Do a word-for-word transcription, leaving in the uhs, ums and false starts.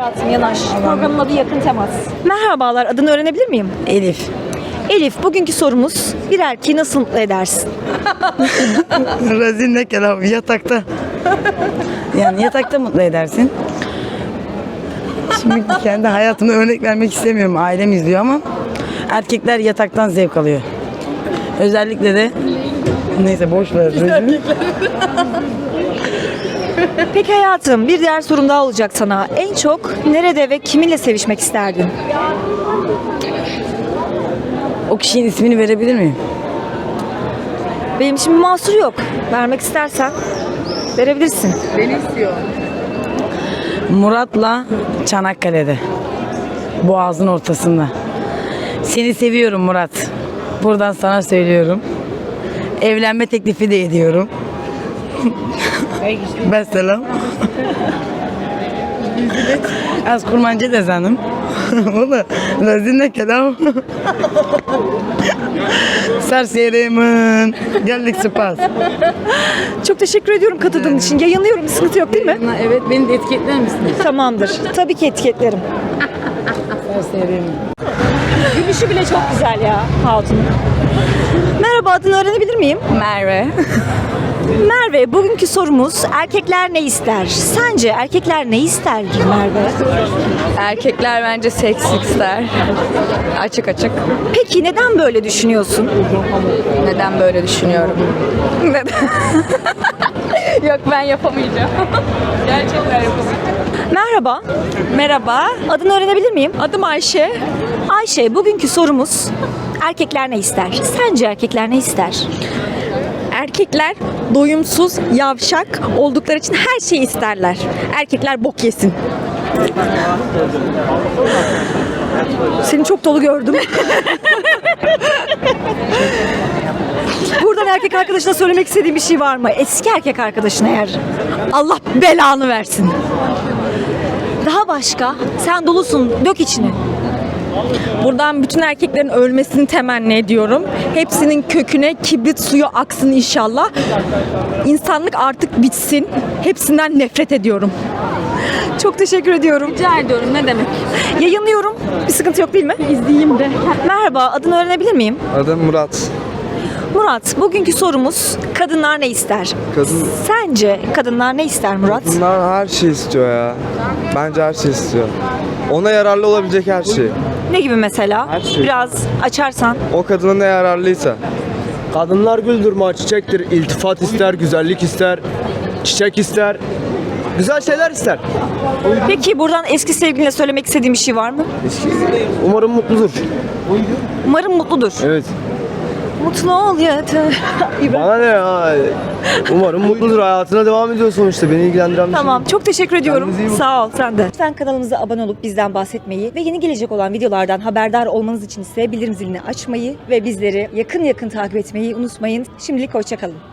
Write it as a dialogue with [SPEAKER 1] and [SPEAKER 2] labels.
[SPEAKER 1] Hayatım yanaş. Programın adı Yakın Temas. Merhabalar, adını öğrenebilir miyim?
[SPEAKER 2] Elif.
[SPEAKER 1] Elif, bugünkü sorumuz bir erkeği nasıl mutlu edersin?
[SPEAKER 2] Rezil ne kelam yatakta. Yani yatakta mutlu edersin. Şimdi kendi hayatımda örnek vermek istemiyorum. Ailem izliyor ama erkekler yataktan zevk alıyor. Özellikle de neyse boş ver. Rezil.
[SPEAKER 1] Peki hayatım, bir diğer sorum daha olacak sana. En çok nerede ve kiminle sevişmek isterdin?
[SPEAKER 2] O kişinin ismini verebilir miyim?
[SPEAKER 1] Benim şimdi mahsur yok. Vermek istersen verebilirsin.
[SPEAKER 2] Murat'la Çanakkale'de. Boğazın ortasında. Seni seviyorum Murat. Buradan sana söylüyorum. Evlenme teklifi de ediyorum. Ben selam. Az kurmancı da sanım. O da lazine kelam. Serserimin. Geldik spas.
[SPEAKER 1] Çok teşekkür ediyorum katıldığın için. Yayınlıyorum, bir sıkıntı yok değil mi?
[SPEAKER 2] Evet, beni de etiketler misiniz?
[SPEAKER 1] Tamamdır. Tabii ki etiketlerim.
[SPEAKER 2] Serserimin.
[SPEAKER 1] Gülüşü bile çok güzel ya Hatun. Merhaba, adını öğrenebilir miyim?
[SPEAKER 3] Merve.
[SPEAKER 1] Merve, bugünkü sorumuz erkekler ne ister? Sence erkekler ne ister Merve?
[SPEAKER 3] Erkekler bence seks ister. Açık açık.
[SPEAKER 1] Peki neden böyle düşünüyorsun?
[SPEAKER 3] Neden böyle düşünüyorum? Neden? Yok, ben yapamayacağım. Gerçekten yapamayacağım.
[SPEAKER 1] Merhaba,
[SPEAKER 3] Merhaba.
[SPEAKER 1] adını öğrenebilir miyim?
[SPEAKER 3] Adım Ayşe.
[SPEAKER 1] Ayşe, bugünkü sorumuz erkekler ne ister? Sence erkekler ne ister?
[SPEAKER 3] Erkekler doyumsuz, yavşak oldukları için her şeyi isterler. Erkekler bok yesin.
[SPEAKER 1] Seni çok dolu gördüm. Buradan erkek arkadaşına söylemek istediğin bir şey var mı? Eski erkek arkadaşına eğer.
[SPEAKER 3] Allah belanı versin.
[SPEAKER 1] Daha başka? Sen dolusun, dök içini.
[SPEAKER 3] Buradan bütün erkeklerin ölmesini temenni ediyorum. Hepsinin köküne kibrit suyu aksın inşallah. İnsanlık artık bitsin. Hepsinden nefret ediyorum.
[SPEAKER 1] Çok teşekkür ediyorum.
[SPEAKER 3] Rica ediyorum, ne demek?
[SPEAKER 1] Yayınlıyorum. Bir sıkıntı yok değil mi?
[SPEAKER 3] İzleyeyim de.
[SPEAKER 1] Merhaba, adını öğrenebilir miyim?
[SPEAKER 4] Adım Murat.
[SPEAKER 1] Murat, bugünkü sorumuz kadınlar ne ister?
[SPEAKER 4] Kadın
[SPEAKER 1] Sence kadınlar ne ister Murat?
[SPEAKER 4] bunlar her şey istiyor ya. Bence her şey istiyor. Ona yararlı olabilecek her şey.
[SPEAKER 1] Ne gibi mesela?
[SPEAKER 4] Her şey.
[SPEAKER 1] Biraz açarsan.
[SPEAKER 4] O kadına ne yararlıysa.
[SPEAKER 5] Kadınlar güldür ma çiçektir. İltifat ister, güzellik ister, çiçek ister. Güzel şeyler ister.
[SPEAKER 1] Peki buradan eski sevgiline söylemek istediğin bir şey var mı?
[SPEAKER 5] Umarım mutludur.
[SPEAKER 1] Umarım mutludur.
[SPEAKER 5] Evet.
[SPEAKER 1] Mutlu ol yeter.
[SPEAKER 5] Bana ne ya? Umarım mutludur. Hayatına devam ediyor sonuçta. Beni ilgilendiren bir şey.
[SPEAKER 1] Tamam, çok teşekkür ediyorum.
[SPEAKER 5] Kendinize iyi bakın.
[SPEAKER 1] Sağ ol, sen de. Lütfen kanalımıza abone olup bizden bahsetmeyi ve yeni gelecek olan videolardan haberdar olmanız için ise bildirim zilini açmayı ve bizleri yakın yakın takip etmeyi unutmayın. Şimdilik hoşça kalın.